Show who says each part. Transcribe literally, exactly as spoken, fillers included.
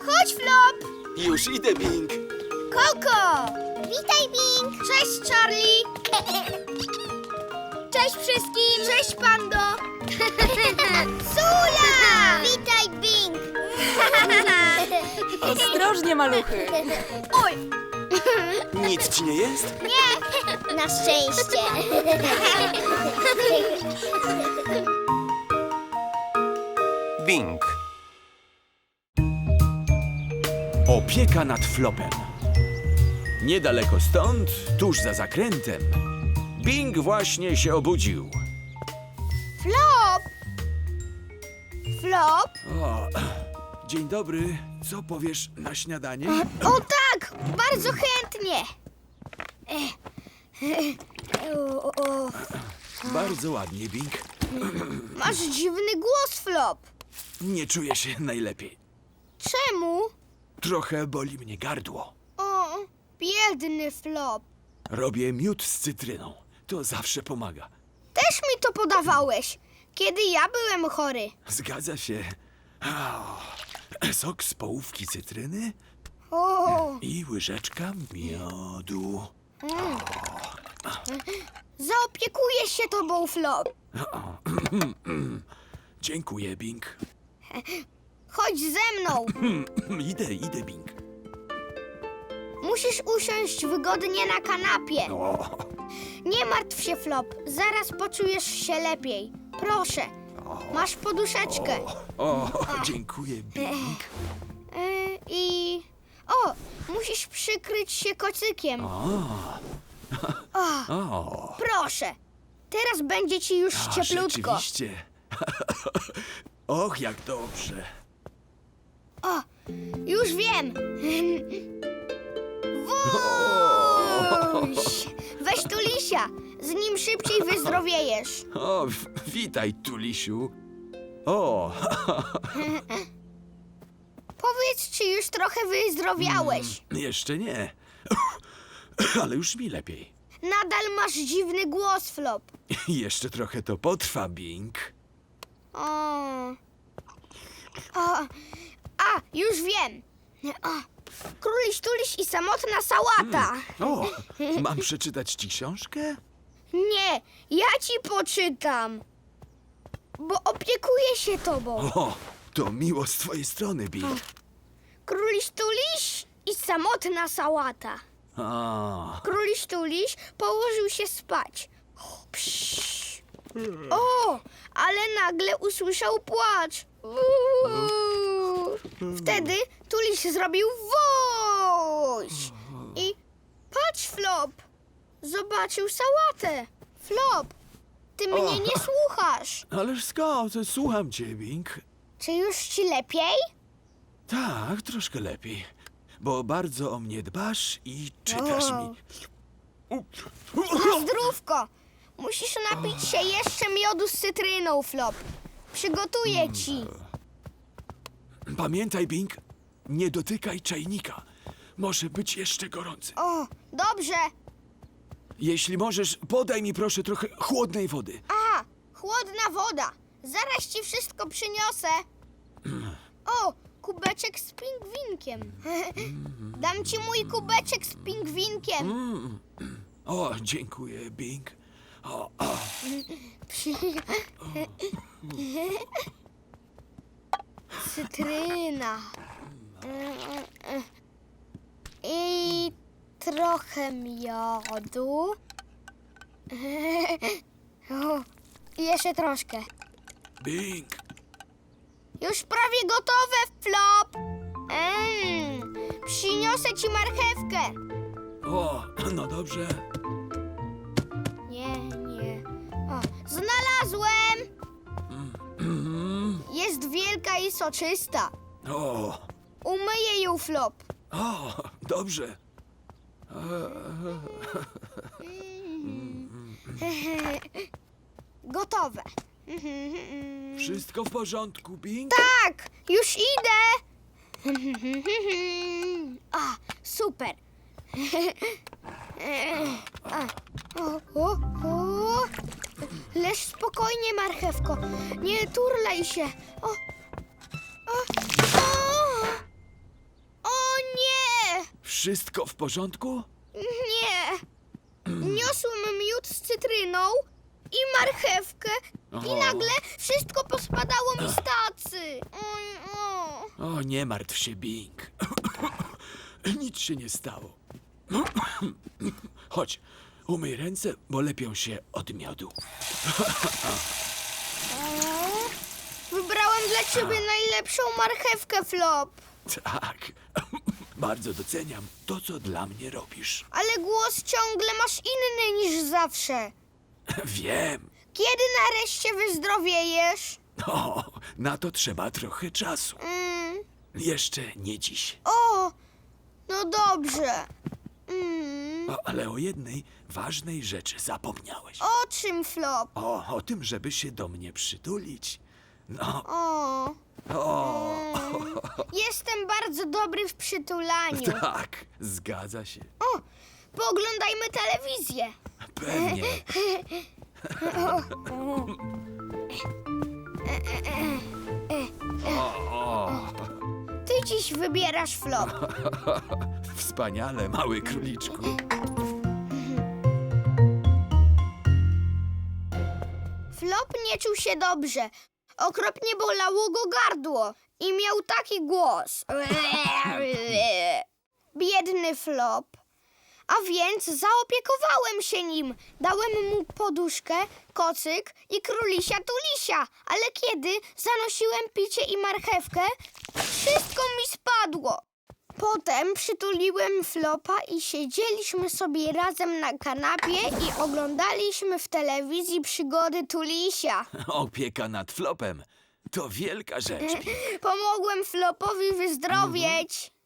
Speaker 1: Chodź, Flop!
Speaker 2: Już idę, Bing.
Speaker 1: Koko! Witaj, Bing! Cześć, Charlie! Cześć wszystkim! Cześć, Pando! Sula! Witaj, Bing!
Speaker 3: Ostrożnie, maluchy.
Speaker 1: Oj!
Speaker 2: Nic ci nie jest?
Speaker 1: Nie! Na szczęście!
Speaker 4: Bing.
Speaker 2: Opieka nad Flopem. Niedaleko stąd, tuż za zakrętem, Bing właśnie się obudził.
Speaker 1: Flop! Flop?
Speaker 2: O, dzień dobry. Co powiesz na śniadanie?
Speaker 1: O tak! Bardzo chętnie! O, o, o.
Speaker 2: Bardzo ładnie, Bing.
Speaker 1: Masz dziwny głos, Flop.
Speaker 2: Nie czuję się najlepiej.
Speaker 1: Czemu?
Speaker 2: Trochę boli mnie gardło.
Speaker 1: O, biedny Flop.
Speaker 2: Robię miód z cytryną. To zawsze pomaga.
Speaker 1: Też mi to podawałeś, kiedy ja byłem chory.
Speaker 2: Zgadza się. O, sok z połówki cytryny
Speaker 1: O,
Speaker 2: i łyżeczka miodu.
Speaker 1: zaopiekuję się tobą, Flop.
Speaker 2: Dziękuję, Bing.
Speaker 1: Chodź ze mną.
Speaker 2: Idę, idę, Bing.
Speaker 1: Musisz usiąść wygodnie na kanapie.
Speaker 2: O,
Speaker 1: Nie martw się, Flop. Zaraz poczujesz się lepiej. Proszę, masz poduszeczkę.
Speaker 2: o, dziękuję, Bing.
Speaker 1: Yy, I... O, musisz przykryć się kocykiem.
Speaker 2: O,
Speaker 1: O,
Speaker 2: o.
Speaker 1: proszę. Teraz będzie ci już
Speaker 2: A,
Speaker 1: cieplutko.
Speaker 2: rzeczywiście. Och, jak dobrze.
Speaker 1: O, już wiem. Wuś! Weź tu lisia. Z nim szybciej wyzdrowiejesz.
Speaker 2: O, w- witaj, Tulisiu. O,
Speaker 1: Powiedz, czy już trochę wyzdrowiałeś.
Speaker 2: jeszcze nie. Ale już mi lepiej.
Speaker 1: Nadal masz dziwny głos, Flop.
Speaker 2: Jeszcze trochę to potrwa, Bing.
Speaker 1: O. O. A, już wiem. O. Króliś, tuliś i samotna sałata.
Speaker 2: O, mam przeczytać ci książkę?
Speaker 1: Nie, ja ci poczytam. Bo opiekuję się tobą.
Speaker 2: O, to miło z twojej strony, Bing.
Speaker 1: Króliś, tuliś i samotna sałata.
Speaker 2: A,
Speaker 1: Króliś, tuliś położył się spać. Psz. O, ale nagle usłyszał płacz. Uuu. Wtedy tuliś zrobił woś. I patrz, Flop, zobaczył sałatę. Flop, ty mnie nie słuchasz.
Speaker 2: ależ skąd? Słucham cię, Bing.
Speaker 1: Czy już ci lepiej?
Speaker 2: Tak, troszkę lepiej. Bo bardzo o mnie dbasz i czytasz
Speaker 1: O.
Speaker 2: mi.
Speaker 1: Na zdrówko. Musisz napić się jeszcze miodu z cytryną, Flop. Przygotuję ci.
Speaker 2: Pamiętaj, Bing, nie dotykaj czajnika. Może być jeszcze gorący.
Speaker 1: O, dobrze.
Speaker 2: Jeśli możesz, podaj mi proszę trochę chłodnej wody.
Speaker 1: A, chłodna woda. Zaraz ci wszystko przyniosę. O, kubeczek z pingwinkiem. Dam ci mój kubeczek z pingwinkiem.
Speaker 2: O, dziękuję, Bing. O, o.
Speaker 1: Cytryna. I trochę miodu. O, jeszcze troszkę.
Speaker 2: Bing,
Speaker 1: Już prawie gotowe, Flop. Mm, przyniosę ci marchewkę.
Speaker 2: o, no dobrze.
Speaker 1: Nie, nie. O, znalazłem! Jest wielka i soczysta.
Speaker 2: O,
Speaker 1: Umyję ją, Flop.
Speaker 2: o, dobrze.
Speaker 1: Gotowe.
Speaker 2: Wszystko w porządku, Bing?
Speaker 1: Tak, już idę. A, super. A, o, o, o. Leż spokojnie, marchewko. Nie turlaj się. O, o, o.
Speaker 2: Wszystko w porządku?
Speaker 1: Nie. Niosłem miód z cytryną i marchewkę i
Speaker 2: O.
Speaker 1: nagle wszystko pospadało mi z tacy. Oj, o.
Speaker 2: O, nie martw się, Bing. Nic się nie stało. Chodź, umyj ręce, bo lepią się od miodu.
Speaker 1: Wybrałem dla ciebie najlepszą marchewkę, Flop.
Speaker 2: Tak, bardzo doceniam to, co dla mnie robisz.
Speaker 1: Ale głos ciągle masz inny niż zawsze.
Speaker 2: Wiem.
Speaker 1: Kiedy nareszcie wyzdrowiejesz?
Speaker 2: O, na to trzeba trochę czasu.
Speaker 1: Mm.
Speaker 2: Jeszcze nie dziś.
Speaker 1: O, no dobrze. Mm.
Speaker 2: O, ale o jednej ważnej rzeczy zapomniałeś.
Speaker 1: O czym, Flop?
Speaker 2: O, o tym, żeby się do mnie przytulić. No,
Speaker 1: O,
Speaker 2: o,
Speaker 1: jestem bardzo dobry w przytulaniu.
Speaker 2: tak, zgadza się.
Speaker 1: O, pooglądajmy telewizję.
Speaker 2: Pewnie.
Speaker 1: Ty dziś wybierasz, Flop.
Speaker 2: Wspaniale, mały króliczku.
Speaker 1: Flop nie czuł się dobrze. Okropnie bolało go gardło i miał taki głos. Biedny Flop. A więc zaopiekowałem się nim. Dałem mu poduszkę, kocyk i królisia tulisia. Ale kiedy zanosiłem picie i marchewkę, wszystko mi spadło. Potem przytuliłem Flopa i siedzieliśmy sobie razem na kanapie i oglądaliśmy w telewizji przygody Tulisia.
Speaker 2: Opieka nad Flopem to wielka rzecz.
Speaker 1: Pomogłem Flopowi wyzdrowieć.